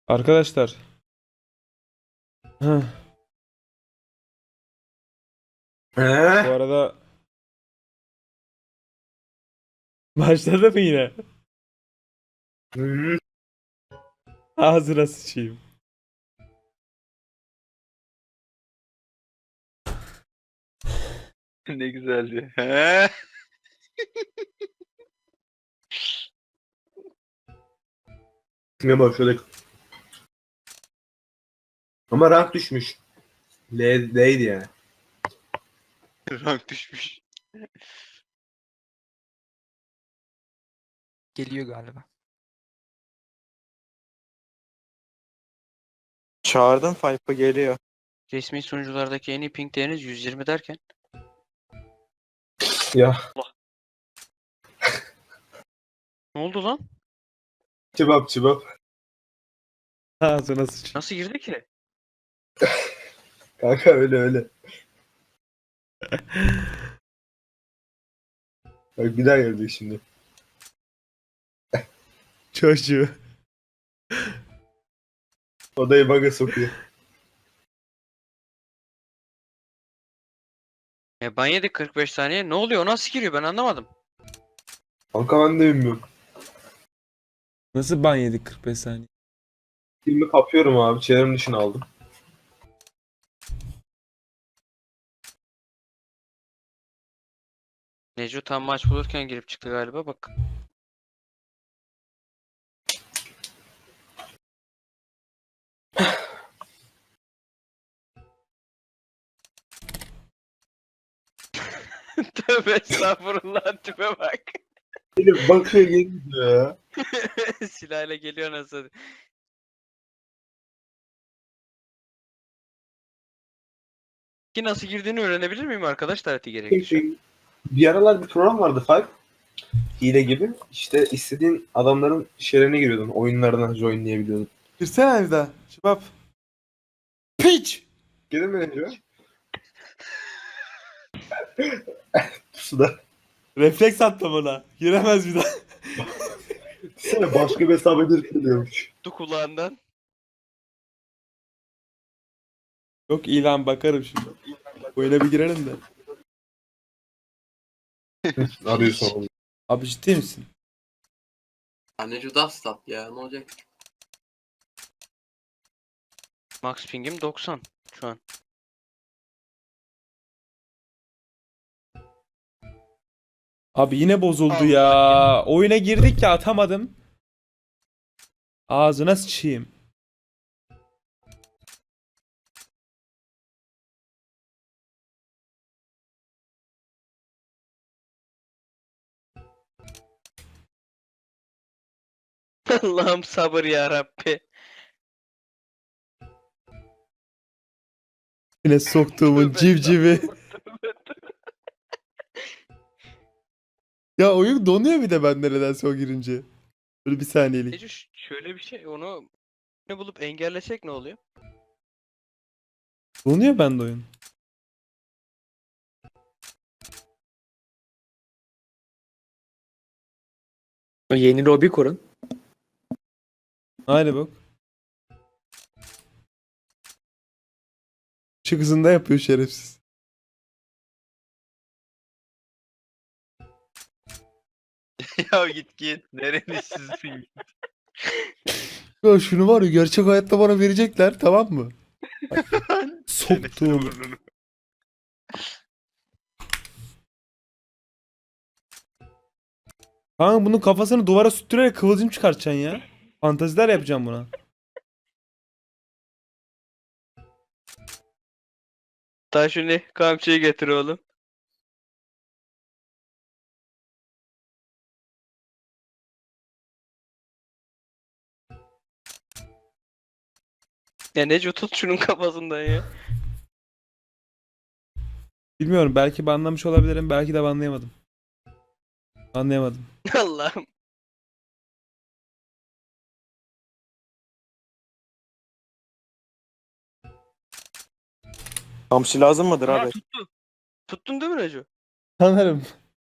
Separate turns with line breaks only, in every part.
Arkadaşlar. Heh, bu
He?
arada başladı mı yine?
Hı.
Ağzına sıçayım.
Ne güzeldi. He?
Ne başladık. Ama rank düşmüş. L'deydi yani.
Rank düşmüş.
Geliyor galiba.
Çağırdım Fayfa geliyor.
Resmi sunuculardaki en iyi ping değeriniz 120 derken.
Ya
Ne oldu lan?
çıbap.
Ağzına sıçayım.
Nasıl girdi ki?
Kanka öyle. Bak bir daha gelecek şimdi.
Çocuğu.
Odayı baga sokuyor.
Ban yedik 45 saniye. Ne oluyor? O nasıl giriyor? Ben anlamadım.
Kanka ben de bilmiyorum.
Nasıl ban yedik 45 saniye?
Filmi kapıyorum abi. Çevrim dışına aldım.
Neco tam maç bulurken girip çıktı galiba. Bak. Tövbe estağfurullah, tipe bak.
Benim bakıyor geliyor ya.
Silahla geliyor nasıl? Ki nasıl girdiğini öğrenebilir miyim arkadaşlar eti gerekirse?
Bir aralar bir program vardı Five. Hile gibi. İşte istediğin adamların şeylerine giriyordun. Oyunlarına joinleyebiliyordun.
Girsene bir daha. Şıbap. Piç!
Gelin mi Neco? Pusuda.
Refleks attım ona. Giremez bir daha.
Sana başka bir hesap edilip diyormuş.
Tu kulağından.
Yok ilan bakarım şimdi. Oyuna bir girelim de.
Arıyorsun onu.
Abi ciddi misin?
Anne Judas stat ya ne olacak?
Max ping'im 90 şu an.
Abi yine bozuldu
Allah
ya. Oyuna girdik ya atamadım. Ağzına sıçayım.
Allah'ım sabır ya Rabbi.
Yine soktuğumun civcivi. Ya oyun donuyor bir de ben neredense o girince. Böyle bir saniyelik.
Neco şöyle bir şey, onu ne bulup engellesek ne oluyor?
Donuyor bende oyun.
Yeni lobi kurun.
Aynı bak. Işık hızında yapıyor şerefsiz.
Ya git. Nerelisizsin?
Ya şunu var ya gerçek hayatta bana verecekler tamam mı? Soktuğum. Kanka bunun kafasını duvara sürttürerek kıvılcım çıkartacaksın ya. Fantaziler yapacağım buna.
Taşuni kamçıyı getir oğlum. Ya Neco tut şunun kafasından ya.
Bilmiyorum belki banlamış olabilirim belki de banlayamadım. Anlayamadım.
Allah'ım.
Hamsi lazım mıdır
Aa,
abi?
tuttun değil mi Neco?
Sanırım.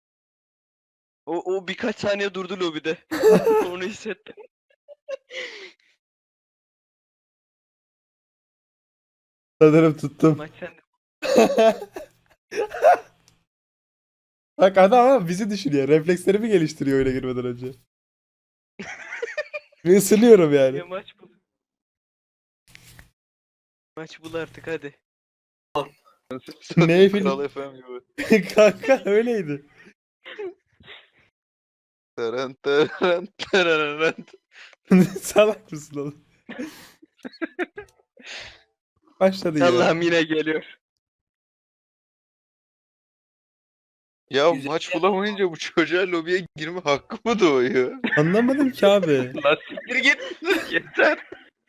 O birkaç saniye durdu lobide. Onu hissettim.
Sanırım tuttum.
Maç sende.
Bak adam ama bizi düşünüyor. Reflekslerimi geliştiriyor oyuna girmeden önce. Ve ısınıyorum
Ya
yani.
maç bul. Maç bul artık hadi.
Ne
Kral
film?
FM gibi.
Kanka öyleydi.
Taran taran tararan.
Salak mısın oğlum? Başladı yine.
Allah'ım yine geliyor.
Ya
Güzel.
maç bulamayınca bu çocuğa lobiye girme hakkı mı doğuyor?
Anlamadım ki abi.
Lan siktir git. Yeter.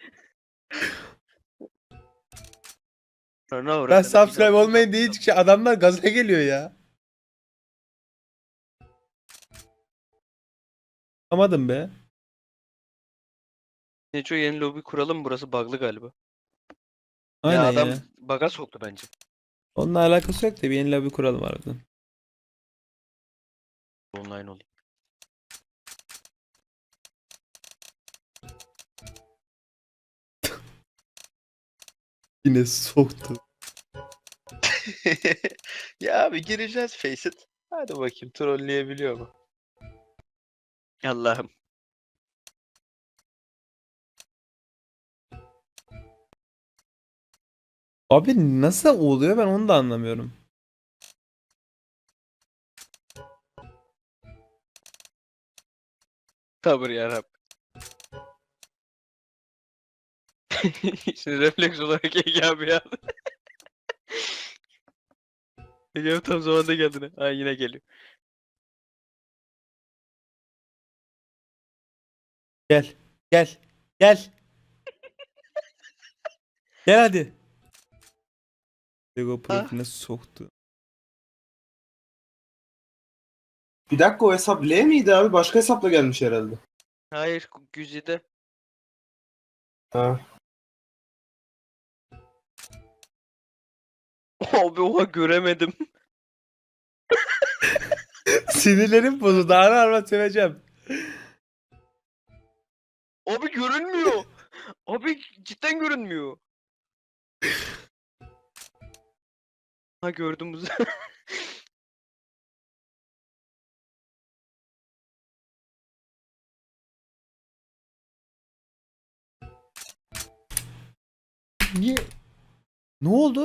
Ben subscribe olmayın diye hiç adamlar gaza geliyor ya. Anlamadım be.
Neco yeni lobi kuralım, burası bug'lı galiba.
Aynen
ya adam
ya.
bug'a soktu bence.
Onunla alakası yok da bir yeni lobby kuralım harbiden.
Online olayım.
Yine soktu.
Ya abi gireceğiz Faceit. Hadi bakayım trolleyebiliyor mu?
Allah'ım.
Abi nasıl oluyor ben onu da anlamıyorum.
Sabır yarabbim. Şimdi refleks olarak Ege abi ya. Ege abi tam zamanda geldin. Ha yine geliyor.
Gel. Gel. Gel. Gel hadi. Lego profiline soktu.
Bir dakika, o hesap L miydi abi? Başka hesapla gelmiş herhalde.
Hayır Güzide.
Ha.
Abi oha göremedim.
Sinirlerim bozuldu. Ara ara seveceğim.
Abi görünmüyor. Abi cidden görünmüyor. Ha gördüm bu sefer.
Niye? Ne oldu?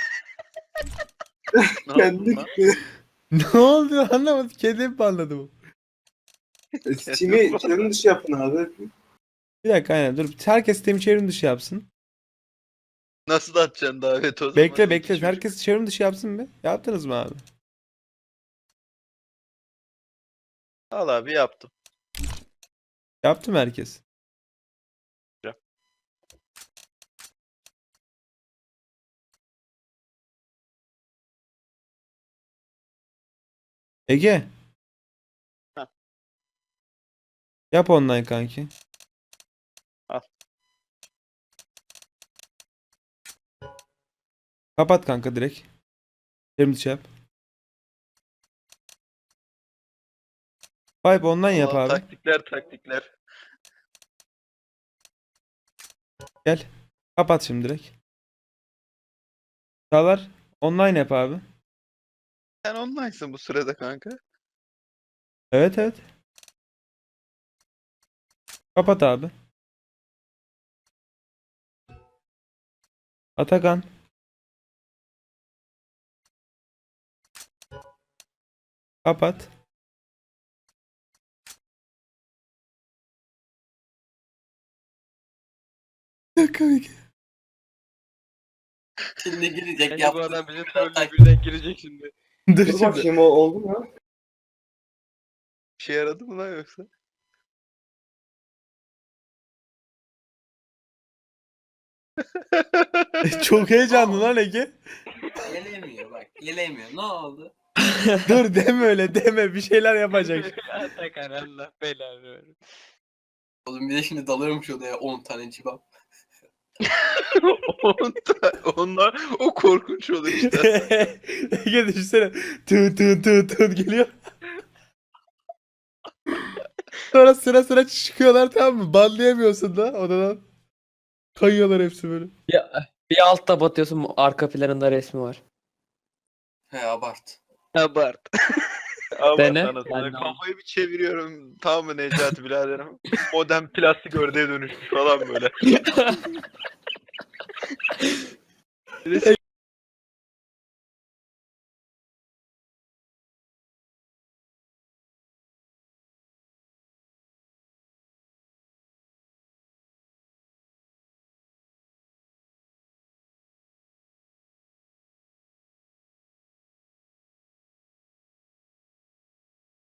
Ne
Kendi
yaptın lan?
Ne oldu anlamadım. Kendim mi anladım?
Steam'i çevrim dışı yapın abi.
Bir dakika aynen dur. Herkes sistemi çevrim dışı yapsın.
Nasıl atacaksın davet o zaman?
Bekle bekle.
Çocuk.
Herkes çevrim dışı yapsın mı? Yaptınız mı abi?
Al abi yaptım.
Yaptı mı herkes?
Ya.
Ege.
Heh.
Yap online kanki.
Al.
Kapat kanka direkt. Çevrim dışı yap. Vibe online yap
Allah,
abi.
taktikler.
Gel. Kapat şimdi direkt. Çağlar online yap abi.
Sen online'sın bu sırada kanka.
Evet evet. Kapat abi. Atakan. Kapat. Komik.
Şimdi girecek
Bence bu
yaptı.
adam bizi trolle birden girecek şimdi.
Dur
Dur
şimdi.
bakayım, o oldu mu?
Bir şey yaradı mı lan yoksa?
Çok heyecanlı lan Ege.
Gelemiyor bak. Gelemiyor. Ne oldu?
Dur deme öyle deme. Bir şeyler yapacak.
Atakan Allah belanı versin.
Oğlum bir de şimdi dalıyormuş odaya 10 tane cibap.
Onlar o korkunç olur işte.
Ege düşünsene. Tın tın tın tın geliyor. Sonra sıra sıra çıkıyorlar tamam mı? Banlayamıyorsun da odadan. Kayıyorlar hepsi böyle.
Ya Bir altta batıyorsun, arka planında resmi var.
He abart.
Abart.
Ama
Dene.
sana
Ben de
kafayı bir çeviriyorum. Tamam mı Necati biraderim? Modern plastik ördeğe dönüşmüş falan böyle. Bir de